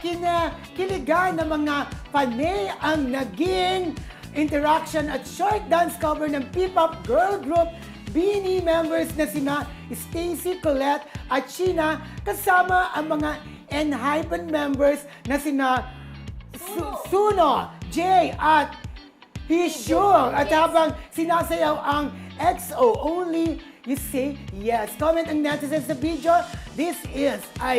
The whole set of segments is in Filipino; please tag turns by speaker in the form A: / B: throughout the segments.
A: Kiligan ng mga panay ang naging interaction at short dance cover ng P-pop girl group Beanie members na sina Stacy, Colette at Sheena kasama ang mga Enhypen members na sina Suno, Jay at Hishul. At habang sinasayaw ang XO Only You Say Yes. Comment ang netizens sa video. This is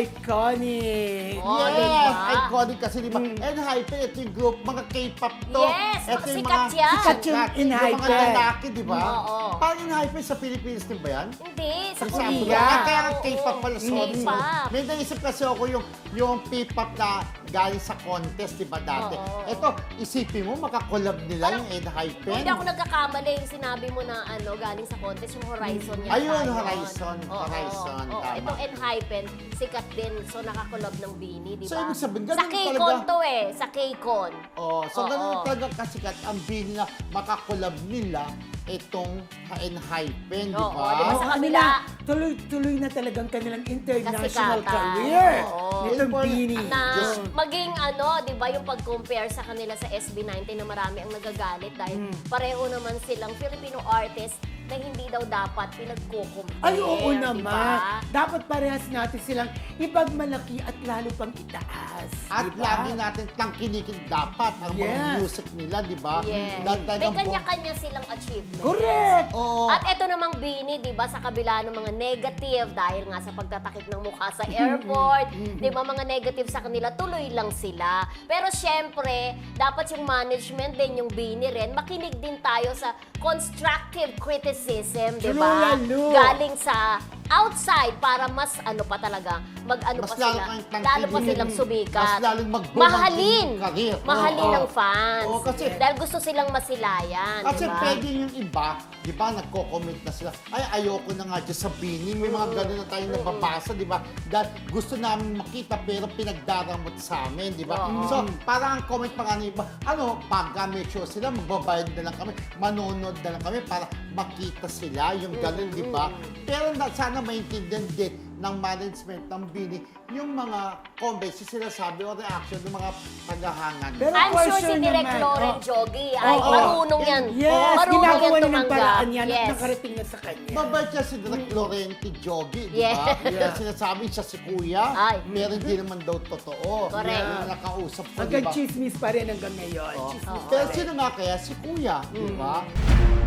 A: iconic.
B: Oh,
C: Yes,
B: diba?
C: iconic kasi diba? Enhypen, ito yung group, mga K-pop to.
B: Yes,
C: Ito yung
B: sikat yan.
A: Sikat yung
C: Yung mga
A: Enhypen.
C: lalaki, diba?
B: Oo.
C: Parang Enhypen sa Pilipinas din ba yan?
B: Hindi, sa
C: Sa
B: Korea.
C: Kaya ang
B: Oo.
C: K-pop pala, sorry.
B: K-pop.
C: May naisip kasi ako yung P-pop na galing sa contest, diba dati?
B: Oo.
C: Ito, isipin mo, makakolab nila yung Enhypen.
B: Kung hindi ako nagkakamali, yung sinabi mo na galing sa contest, yung Horizon niya.
C: Ayun, Horizon.
B: Oo,
C: Horizon,
B: oo.
C: tama.
B: Itong Enhypen, sikat din. So, nakakulob ng Beanie, di ba?
C: So, ibig sabihin,
B: sa
C: ganun
B: K-Con
C: talaga.
B: to eh. Sa K-Con.
C: Oh, so
B: Oo.
C: ganun talaga kasikat ang bini na makakolab nila itong Enhypen, di
B: Oo,
C: ba?
B: di ba sa
A: Ano
B: kabila?
A: na, tuloy-tuloy na talagang kanilang international
B: Kasikatan.
A: career.
B: Oo.
A: Nitong
C: Important
A: Beanie.
B: Na
C: Yes.
B: maging di ba, yung pag-compare sa kanila sa SB19 na marami ang nagagalit dahil pareho naman silang Filipino artist na hindi daw dapat pinagkukumpare.
A: Ay, oo
B: di
A: naman.
B: ba?
A: Dapat parehas natin silang ipagmalaki at lalo pang itaas.
C: At
A: diba?
C: lagi natin tangkinikin dapat ang mga
A: Yes.
C: music nila, di ba?
B: Yes.
C: Dahil
B: May
C: talagang
B: kanya-kanya silang achievement.
A: Correct!
C: Oo.
B: At eto namang Beanie, di ba, sa kabila ng mga negative, dahil nga sa pagtatakip ng mukha sa airport, di ba, mga negative sa kanila, tuloy lang sila. Pero syempre, dapat yung management din, yung Beanie rin, makinig din tayo sa constructive criticism, di
A: True,
B: ba?
A: lalo.
B: Galing sa outside para mas pa talaga,
C: Mas
B: pa
C: lalo
B: sila,
C: kang tangkilikin.
B: lalo pa silang sumikat.
C: Mas lalong mag-boom
B: Mahalin.
C: ang career.
B: Mahalin
C: Oo.
B: ng fans.
C: Oo, kasi-
B: dahil gusto silang masilayan,
C: Kasi
B: di ba?
C: pwede yung iba, di ba, nagko-comment na sila, ay, ayoko na nga dyan sa Bini. May mga gano'n na tayong nababasa, di ba? Dahil gusto namin makita pero pinagdaramot sa amin, di ba?
B: Oo.
C: So, parang ang comment pa nga ng iba, pagka may show sila, magbabayad na lang kami, manonood na lang kami para makita sila, yung gano'n, di ba? Pero sana maintindihan din ng management ng Bini yung mga comments, yung sinasabi o reaction ng mga tagahangan.
A: Pero
B: I'm
A: for
B: sure si
A: sure
B: Direk
A: naman,
B: Loren Jogi ay
A: Oo.
B: marunong yan.
A: Yes,
B: marunong
A: ginagawa
B: yan
A: niya ng
B: tumanggap.
A: paraan yan at
B: Yes.
A: nakarating na sa kanya.
C: Mabait siya si Direk Laurenti Jogi, di
B: Yes.
C: ba? Kaya sinasabi siya si Kuya,
B: Ay.
C: pero hindi naman daw totoo.
B: Correct.
C: Yung nakausap ko, di
A: Hanggang
C: ba?
A: chismis pa rin hanggang ngayon.
C: Oh.
A: Chismis pa
C: Pero
A: rin.
C: sino nga kaya? Si Kuya, di ba?